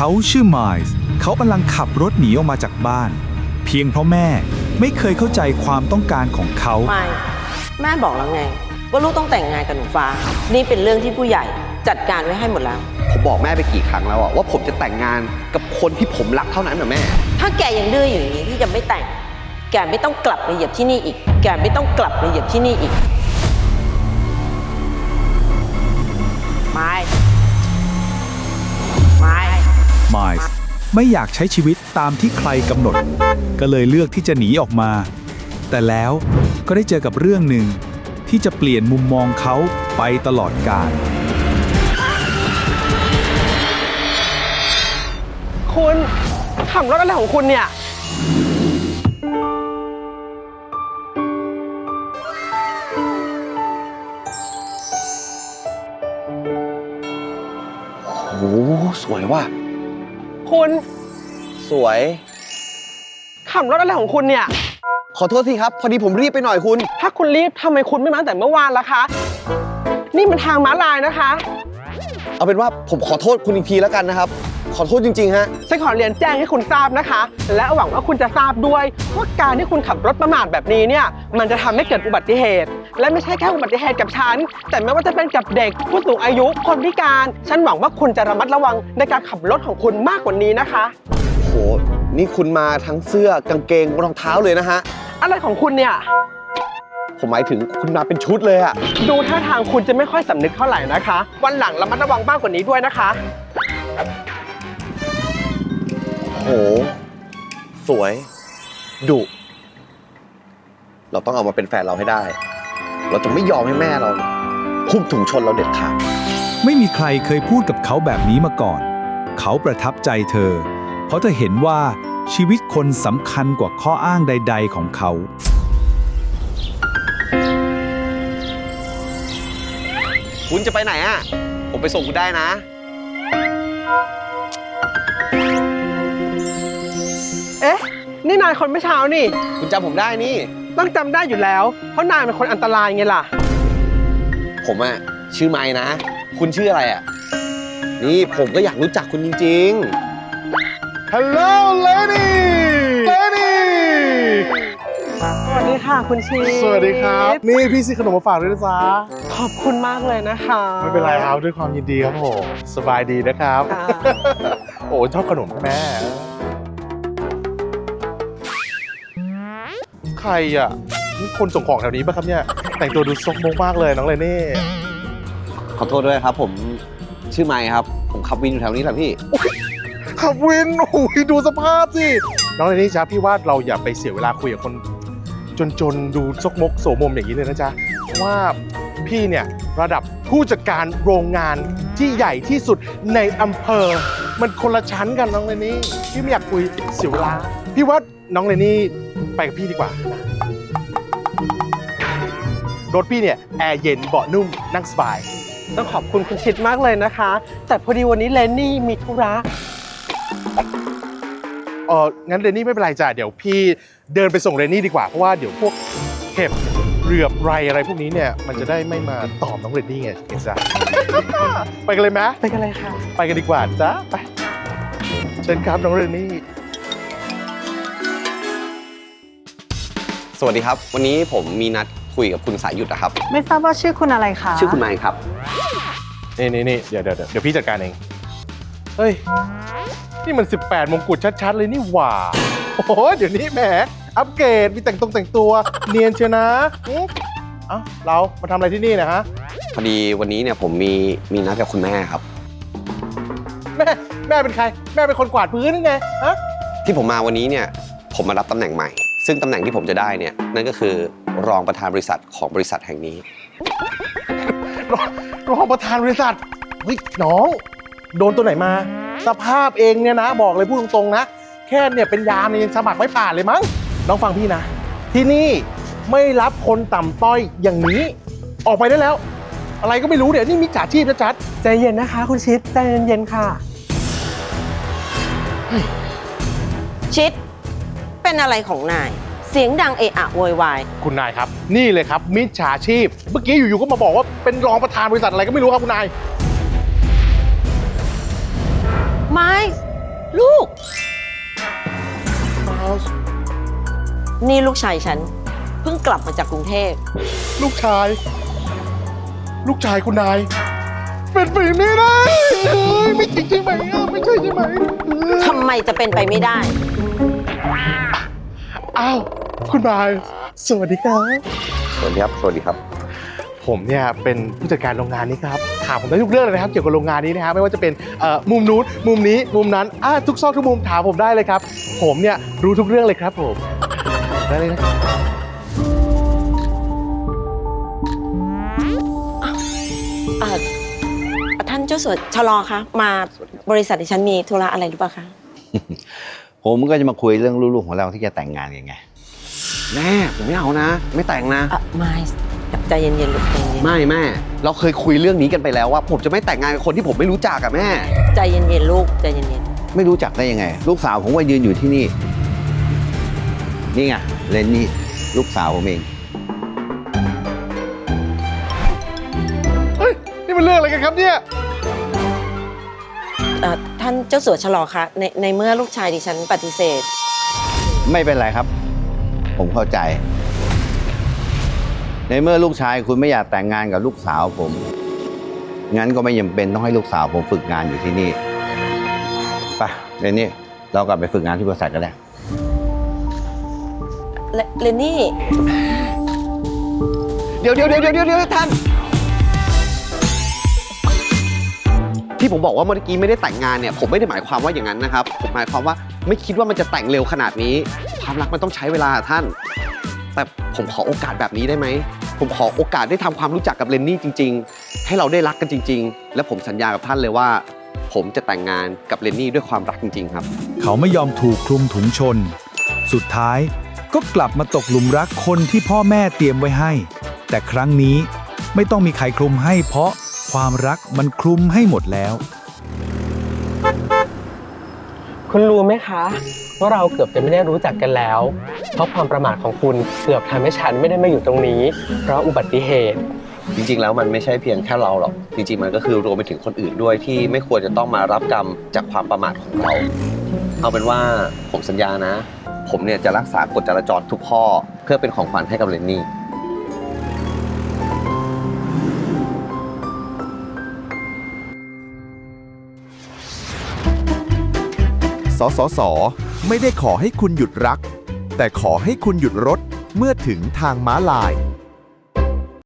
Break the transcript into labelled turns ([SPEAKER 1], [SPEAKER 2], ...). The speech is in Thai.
[SPEAKER 1] เขาชื่อไมล์เขากำลังขับรถหนีออกมาจากบ้านเพียงเพราะแม่ไม่เคยเข้าใจความต้องการของเขา
[SPEAKER 2] ไม่แม่บอกแล้วไงว่าลูกต้องแต่งงานกับหนูฟ้านี่เป็นเรื่องที่ผู้ใหญ่จัดการไว้ให้หมดแล้ว
[SPEAKER 3] ผมบอกแม่ไปกี่ครั้งแล้วว่าผมจะแต่งงานกับคนที่ผมรักเท่านั้นนะแม่
[SPEAKER 2] ถ้าแกยังดื้ออยู่อย่างนี้ที่จะไม่แต่งแกไม่ต้องกลับมาเหยียบที่นี่อีกแกไม่ต้องกลับมาเหยียบที่นี่อีกไม่
[SPEAKER 1] ไมล์ไม่อยากใช้ชีวิตตามที่ใครกำหนดก็เลยเลือกที่จะหนีออกมาแต่แล้วก็ได้เจอกับเรื่องหนึ่งที่จะเปลี่ยนมุมมองเขาไปตลอดกาล
[SPEAKER 4] คุณขับรถอะไรของคุณเนี่ย
[SPEAKER 3] โอ้สวยว่ะ
[SPEAKER 4] คุณ
[SPEAKER 3] สวย
[SPEAKER 4] ขับรถอะไรของคุณเนี่ย
[SPEAKER 3] ขอโทษทีครับพอดีผมรีบไปหน่อยคุณ
[SPEAKER 4] ถ้าคุณรีบทำไมคุณไม่มาตั้งแต่เมื่อวานล่ะคะนี่มันทางม้าลายนะคะ
[SPEAKER 3] เอาเป็นว่าผมขอโทษคุณอีกทีแล้วกันนะครับขอโทษจริงๆฮะ
[SPEAKER 4] ฉันขอเรียนแจ้งให้คุณทราบนะคะและหวังว่าคุณจะทราบด้วยว่าการที่คุณขับรถประมาทแบบนี้เนี่ยมันจะทำให้เกิดอุบัติเหตุและไม่ใช่แค่อุบัติเหตุกับฉันแต่ไม่ว่าจะเป็นกับเด็กผู้สูงอายุคนพิการฉันหวังว่าคุณจะระมัดระวังในการขับรถของคุณมากกว่านี้นะคะ
[SPEAKER 3] โหนี่คุณมาทั้งเสื้อกางเกงรองเท้าเลยนะฮะ
[SPEAKER 4] อะไรของคุณเนี่ย
[SPEAKER 3] ผมหมายถึงคุณมาเป็นชุดเลยอะ
[SPEAKER 4] ดูท่าทางคุณจะไม่ค่อยสำนึกเท่าไหร่นะคะวันหลังระมัดระวังบ้างกว่านี้ด้วยนะคะ
[SPEAKER 3] โหสวยดุเราต้องเอามาเป็นแฟนเราให้ได้เราจะไม่ยอมให้แม่เราคุมถุงชนเราเด็ดขาด
[SPEAKER 1] ไม่มีใครเคยพูดกับเขาแบบนี้มาก่อนเขาประทับใจเธอเพราะเธอเห็นว่าชีวิตคนสำคัญกว่าข้ออ้างใดๆของเขา
[SPEAKER 3] คุณจะไปไหนอ่ะผมไปส่งคุณได้นะ
[SPEAKER 4] เอ๊ะนี่นายคนเมื่อเช้านี่
[SPEAKER 3] คุณจำผมได้นี่
[SPEAKER 4] ต้องจำได้อยู่แล้วเพราะนายเป็นคนอันตรายไงล่ะ
[SPEAKER 3] ผมอ่ะชื่อไม้นะคุณชื่ออะไรอ่ะนี่ผมก็อยากรู้จักคุณจริงๆ
[SPEAKER 5] Hello lady lady
[SPEAKER 4] สวัสดีค่ะคุณชี
[SPEAKER 5] สวัสดีครับนี่พี่ซื้อขนมมาฝากด้วยนะจ๊ะ
[SPEAKER 4] ขอบคุณมากเลยนะคะ
[SPEAKER 5] ไม่เป็นไรครับด้วยความยินดีครับผมสบายดีนะครับโอ้ชอบขนมแม่ใครอ่ะนี่คนส่งของแถวนี้ป่ะครับเนี่ยแต่งตัวดูซกมกมากเลยน้องเลนี่
[SPEAKER 3] ขอโทษด้วยครับผมชื่อไมค์ครับผมขับวินอยู่แถวนี้แหละพี่
[SPEAKER 5] ขับวินโอ้ยดูสภาพสิน้องเลนี่จ๊ะพี่ว่าเราอย่าไปเสียเวลาคุยกับคนจนดูซกมกโสมมอย่างนี้เลยนะจ๊ะเพราะว่าพี่เนี่ยระดับผู้จัดการโรงงานที่ใหญ่ที่สุดในอำเภอมันคนละชั้นกันน้องเลนี่พี่ไม่อยากคุยเสียเวลาพี่ว่าน้องเลนี่ไปกับพี่ดีกว่ารถพี่เนี่ยแอร์เย็นเบาะนุ่มนั่งสบาย
[SPEAKER 4] ต้องขอบคุณคุณชิดมากเลยนะคะแต่พอดีวันนี้เลนนี่มีธุระ
[SPEAKER 5] งั้นเรนนี่ไม่เป็นไรจ้ะเดี๋ยวพี่เดินไปส่งเรนนี่ดีกว่าเพราะว่าเดี๋ยวพวกเห็บเหลือบไรอะไรพวกนี้เนี่ยมันจะได้ไม่มาตอมน้องเรนนี่ไงจ๊ะไปกันเลยไหม
[SPEAKER 4] ไปกันเลยค่ะ
[SPEAKER 5] ไปกันดีกว่าจ้ะไปเชิญครับน้องเรนนี่
[SPEAKER 3] สวัสดีครับวันนี้ผมมีนัดคุยกับคุณสายหยุดนะครับ
[SPEAKER 6] ไม่ทราบว่าชื่อคุณอะไรคะ
[SPEAKER 3] ชื่อคุณไมค์ครับ
[SPEAKER 5] นี่เดี๋ยวพี่จัดการเองเฮ้ยนี่มัน18มงกุฎชัดๆเลยนี่หว่าโอ้โหเดี๋ยวนี้แหมอัปเกรดมีแต่งตัวเนียนเชียวนะเอ้าเรามาทำอะไรที่นี่นะฮะ
[SPEAKER 3] พอดีวันนี้เนี่ยผมมีนัดกับคุณแม่ครับ
[SPEAKER 5] แม่เป็นใครแม่เป็นคนกวาดพื้นนี่ไงฮะ
[SPEAKER 3] ที่ผมมาวันนี้เนี่ยผมมารับตำแหน่งใหม่ซึ่งตำแหน่งที่ผมจะได้เนี่ยนั่นก็คือรองประธานบริษัทของบริษัทแห่งนี้
[SPEAKER 5] รองประธานบริษัทเฮ้ยน้องโดนตัวไหนมาสภาพเองเนี่ยนะบอกเลยพูดตรงๆนะแค่เนี่ยเป็นยามเนี่ยยังสมัครไม่ผ่านเลยมั้งน้องฟังพี่นะที่นี่ไม่รับคนต่ำต้อยอย่างนี้ออกไปได้แล้วอะไรก็ไม่รู้เดี๋ยวนี่มิจฉาชีพชัด
[SPEAKER 4] ใจเย็นนะคะคุณชิดใจเย็นๆค่ะ
[SPEAKER 2] ชิดเป็นอะไรของนายเสียงดังเอะอะโวยวาย
[SPEAKER 5] คุณนายครับนี่เลยครับมิจฉาชีพเมื่อกี้อยู่ๆก็มาบอกว่าเป็นรองประธานบริษัทอะไรก็ไม่รู้ครับคุณนาย
[SPEAKER 2] ไม่ลูก นี่ลูกชายฉัน เพิ่งกลับมาจากกรุงเทพ
[SPEAKER 5] ลูกชายคุณนาย เป็นฝีไม่ได้ไม่จริงใช่ไหมไม่ใช่ใช่ไหม
[SPEAKER 2] ทำไมจะเป็นไปไม่ได้
[SPEAKER 5] อ้าวคุณนายสวัสดีครับ
[SPEAKER 3] สวัสดีครับ สวัสดีครับ
[SPEAKER 5] ผมเนี่ยเป็นผู้จัดการโรงงานนี้ครับถามผมได้ทุกเรื่องเลยนะครับเกี่ยวกับโรงงานนี้นะครับไม่ว่าจะเป็นมุมนู้นมุมนี้มุมนั้นทุกซอกทุกมุมถามผมได้เลยครับ ผมเนี่ยรู้ทุกเรื่องเลยครับผมได้เลยนะครับ
[SPEAKER 2] ท่านเจ้าสัวชะลอคะมาบริษัทดิฉันมีธุระอะไรหรือเปล่าคะ
[SPEAKER 7] ผมก็จะมาคุยเรื่องลูกๆของเราที่จะแต่งงานกันไง
[SPEAKER 3] แม่ผมไม่เอานะ ไม่แต่งนะ
[SPEAKER 2] ไม่ใจเย็นๆลูกใจเย็น
[SPEAKER 3] ไม่แม่ เราเคยคุยเรื่องนี้กันไปแล้วว่าผมจะไม่แต่งงานกับคนที่ผมไม่รู้จักอะแม่
[SPEAKER 2] ใจเย็นๆลูกใจเย็น
[SPEAKER 7] ไม่รู้จักได้ยังไง ลูกสาวผมว่ายืนอยู่ที่นี่ นี่ไงเลนนี่ลูกสาวผมเอง
[SPEAKER 5] เฮ้ยนี่มันเรื่องอะไรกันครับเนี่ย
[SPEAKER 2] ๆท่านเจ้าสัวชะลอคะในเมื่อลูกชายดิฉันปฏิเสธ
[SPEAKER 7] ไม่เป็นไรครับ ผมเข้าใจ ในเมื่อลูกชายคุณไม่อยากแต่งงานกับลูกสาวผม งั้นก็ไม่จำเป็นต้องให้ลูกสาวผมฝึกงานอยู่ที่นี่ไปเลนนี่เรากลับไปฝึกงานที่บริษัทกันแล้ว
[SPEAKER 2] เลนนี่
[SPEAKER 3] เดี๋ยวท่าน ที่ผมบอกว่าเมื่อกี้ไม่ได้แต่งงานเนี่ยผมไม่ได้หมายความว่าอย่างนั้นนะครับผมหมายความว่าไม่คิดว่ามันจะแต่งเร็วขนาดนี้ความรักมันต้องใช้เวลาท่าน แต่ผมขอโอกาสแบบนี้ได้ไหมผมขอโอกาสได้ทำความรู้จักกับเลนนี่จริง ๆ ให้เราได้รักกันจริง ๆ และผมสัญญากับท่านเลยว่า ผมจะแต่งงานกับเลนนี่ด้วยความรักจริง ๆ ครับ
[SPEAKER 1] เขาไม่ยอมถูกคลุมถุงชน สุดท้ายก็กลับมาตกหลุมรักคนที่พ่อแม่เตรียมไว้ให้ แต่ครั้งนี้ไม่ต้องมีใครคลุมให้เพราะความรักมันคลุมให้หมดแล้ว
[SPEAKER 4] คุณรู้ไหมคะว่าเราเกือบจะไม่ได้รู้จักกันแล้ว เพราะความประมาทของคุณเกือบทำให้ฉันไม่ได้มาอยู่ตรงนี้ เพราะอุบัติเหตุ
[SPEAKER 3] จริงๆแล้วมันไม่ใช่เพียงแค่เราหรอกจริงๆมันก็คือรวมไปถึงคนอื่นด้วยที่ไม่ควรจะต้องมารับกรรมจากความประมาทของเรา เอาเป็นว่าผมสัญญานะ ผมเนี่ยจะรักษากฎจราจรทุกข้อเพื่อเป็นของขวัญให้กับเลนนี่
[SPEAKER 8] สสส ไม่ได้ขอให้คุณหยุดรัก แต่ขอให้คุณหยุดรถเมื่อถึงทางม้าลาย